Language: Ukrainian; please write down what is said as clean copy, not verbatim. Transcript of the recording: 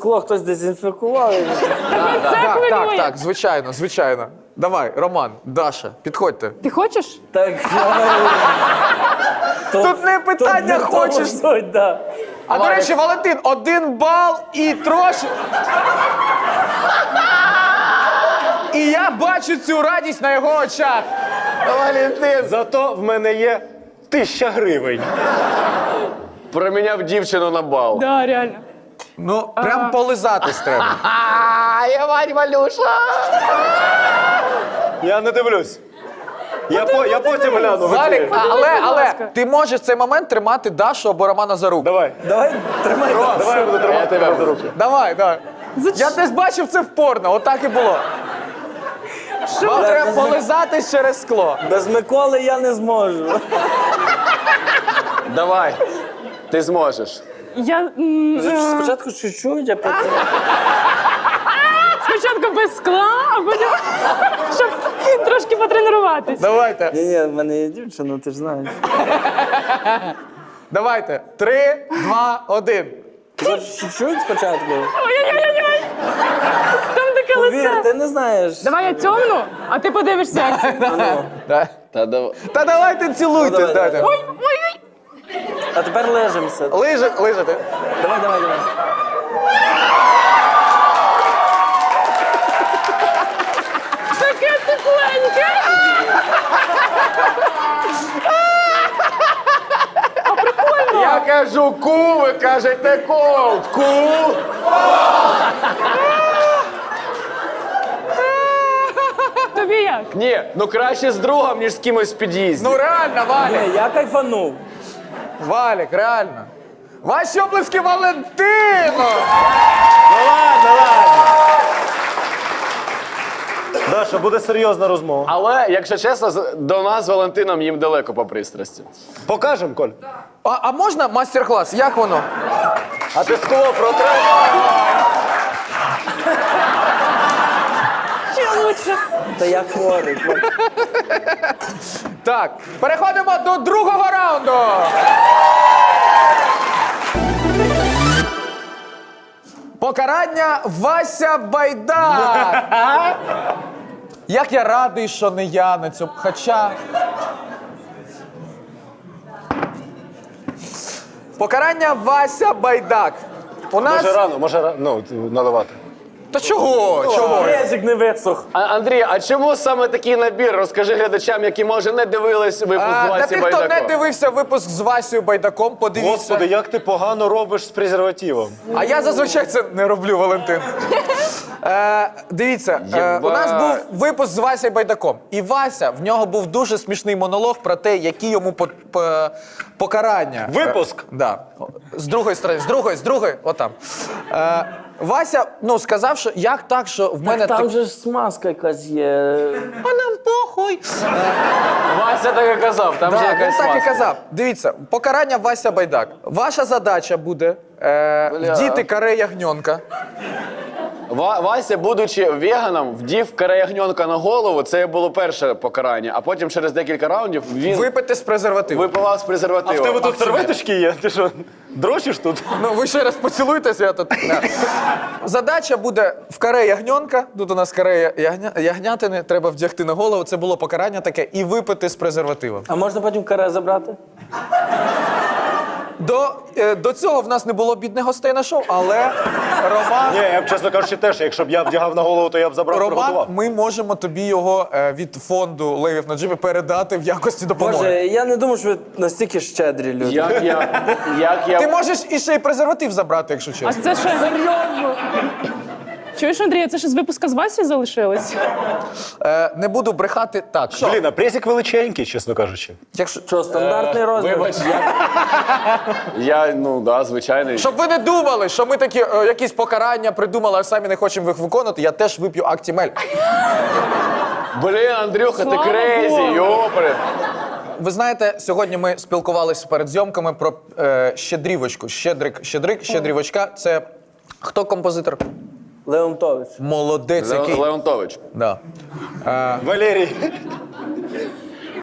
скло хтось дезінфікував. Так, звичайно. Давай, Роман, Даша, підходьте. Ти хочеш? Так, Тут не питання хочеш. Да. А до речі, Валентин, 1 бал і трошки. І я бачу цю радість на його очах. Валентин! Зато в мене є 1000 гривень. Проміняв дівчину на бал. Да, реально. Ну, прям полизатись треба. Євань, Валюша! Я не дивлюсь. Я потім гляну. Валік, будь але ласка. ти можеш в цей момент тримати Дашу або Романа за руку. Давай. Давай, тримай. Давай я буду тримати тебе за руки. Давай. Я десь бачив це в порно, отак і було. Вам треба полизатись через скло. Без Миколи я не зможу. Давай. Ти зможеш. Я Спочатку чуть-чуть, а потім... спочатку без скла, а потім, щоб трошки потренуватись. Давайте. Ні, в мене є дівчина, ти ж знаєш. Давайте. 3, 2, 1. Чуть-чуть спочатку. Ой-ой-ой-ой! Там таке Повір, лице. ти не знаєш. Давай я тьомну, а ти подивишся, як це. Та давай. Та давайте цілуйтесь. Ну, давай. Дайте. Ой-ой-ой! А тепер лежимося. Лижете. Давай. Таке тепленьке! Я кажу ку, ви кажете колд. Ку. Тобі як? Ні, ну краще з другом, ніж з кимось в під'їзді. Ну реально, Валік. Ні, я кайфанув. Валік, реально. Ваші оплески Валентину! Ну ладно. Даша, буде серйозна розмова. Але, якщо чесно, до нас з Валентином їм далеко по пристрасті. Покажем, Коль? А можна мастер-клас? Як воно? А ти скло протри? Ще лучше. Та я хворий. Так, переходимо до другого раунду. Покарання Вася Байдак. Як я радий, що не я на цьому. Хоча. Покарання Вася Байдак. У нас. Може наливати. Та чого? Чого? Резик не висох. Андрій, а чому саме такий набір? Розкажи глядачам, які, може, не дивились випуск з Та Васі ти, хто не Байдаком. дивився випуск з Васею Байдаком, подивіться. Господи, як ти погано робиш з презервативом. А я зазвичай це не роблю, Валентин. Дивіться, у нас був випуск з Васею Байдаком. І Вася, в нього був дуже смішний монолог про те, які йому покарання. Випуск? Да. З другої сторони, з другої, отам. Вася, сказав, що як так, що в мене Там же ж смазка якась є. А нам похуй. Вася так і казав, там же Да, він якась так і маска. казав. Дивіться, покарання Вася Байдак. Ваша задача буде вдіти каре ягньонка. Вася, будучи веганом, вдів караягньонка на голову, це було перше покарання, а потім через декілька раундів він Випити з презервативу. випивав з А презервативом. в тебе тут серветочки є? Ти що, дрочиш тут? Ну, ви ще раз поцілуйтесь, я тут. Да. Задача буде в каре ягньонка. Тут у нас каре ягнятини, треба вдягти на голову. Це було покарання таке. І випити з презервативом. А можна потім каре забрати? До цього в нас не було бідних гостей на шоу, але Роман, Ні, я б, чесно кажучи, теж, якщо б я вдягав на голову, то я б забрав, приготував. ми можемо тобі його від фонду Левів на джипі передати в якості допомоги. Боже, я не думав, що ви настільки щедрі люди. Як я... Ти можеш іще й презерватив забрати, якщо чесно. А це що? Серйозно? Чуєш, Андрій, це ще з випуска з Васі залишилось? Не буду брехати так. Що? Блін, а презик величенький, чесно кажучи. Якщо... Що, стандартний розмір? Вибач, звичайний. Щоб ви не думали, що ми такі якісь покарання придумали, а самі не хочемо їх виконувати, я теж вип'ю Актімель. Блін, Андрюха, ти Слава крейзі, Богу. йопри. Ви знаєте, сьогодні ми спілкувалися перед зйомками про щедрівочку. Щедрівочка. Це хто композитор? Леонтович. Молодець який. Леонтович. Да. Валерій.